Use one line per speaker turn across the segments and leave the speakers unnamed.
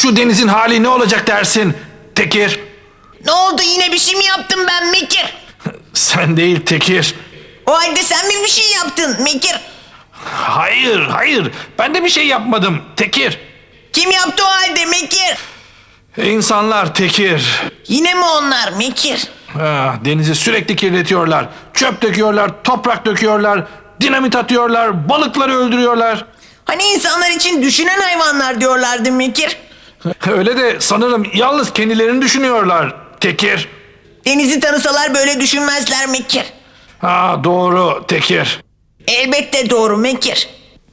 şu denizin hali ne olacak dersin Tekir?
Ne oldu, yine bir şey mi yaptım ben Mekir?
Sen değil Tekir.
O halde sen mi bir şey yaptın Mekir?
Hayır. Ben de bir şey yapmadım Tekir.
Kim yaptı o halde Mekir?
İnsanlar Tekir.
Yine mi onlar Mekir?
Denizi sürekli kirletiyorlar. Çöp döküyorlar, toprak döküyorlar, dinamit atıyorlar, balıkları öldürüyorlar.
Hani insanlar için düşünen hayvanlar diyorlardı Mekir.
Öyle de sanırım yalnız kendilerini düşünüyorlar Tekir.
Denizi tanısalar böyle düşünmezler Mekir.
Doğru Tekir.
Elbette doğru Mekir.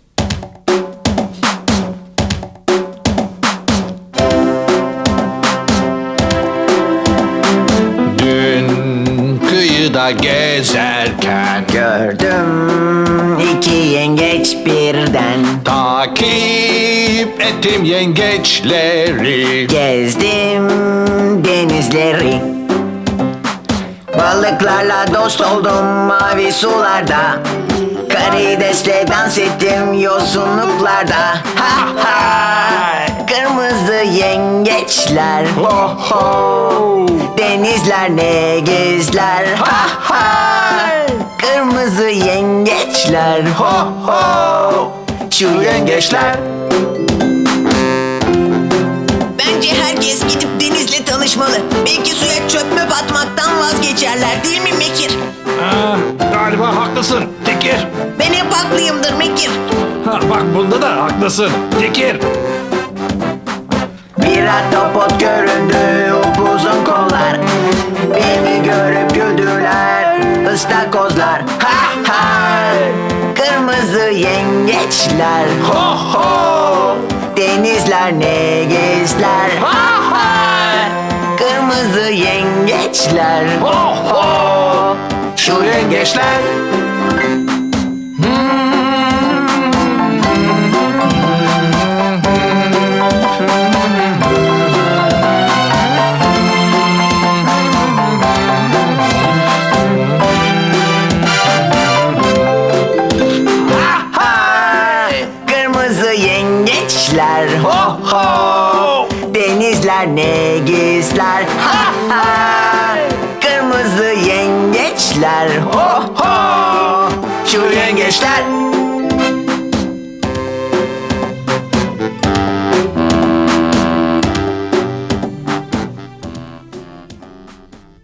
Dün kıyıda gezerken
Gördüm iki yengeç birden.
takip ettim yengeçleri.
Gezdim denizleri. Balıklarla dost oldum mavi sularda. Karidesle dans ettim yosunluklarda. Ha ha! Kırmızı yengeçler. Ho ho! Denizler ne gizler. Ha ha! Kırmızı yengeçler. Ho ho! Şu yengeçler. Bence herkes gidip denizle tanışmalı. Belki suya çöp möp atmaktan vazgeçerler, değil mi Mekir?
Galiba haklısın Tekir.
Ben hep haklıyımdır Mekir.
Bak bunda da haklısın Tekir.
Bir ahtapot göründü, upuzun kollar. Beni görüp güldüler ıstakozlar. Ha ha! Kırmızı yengeçler. Ho ho! Denizler ne gizler. Ha ha! Kırmızı yengeçler. Ho ho! Şu yengeçler. Kırmızı yengeçler. Ho ho! Denizler ne gizler. Ha ha! Kırmızı yengeçler. Ho ho! Şu yengeçler.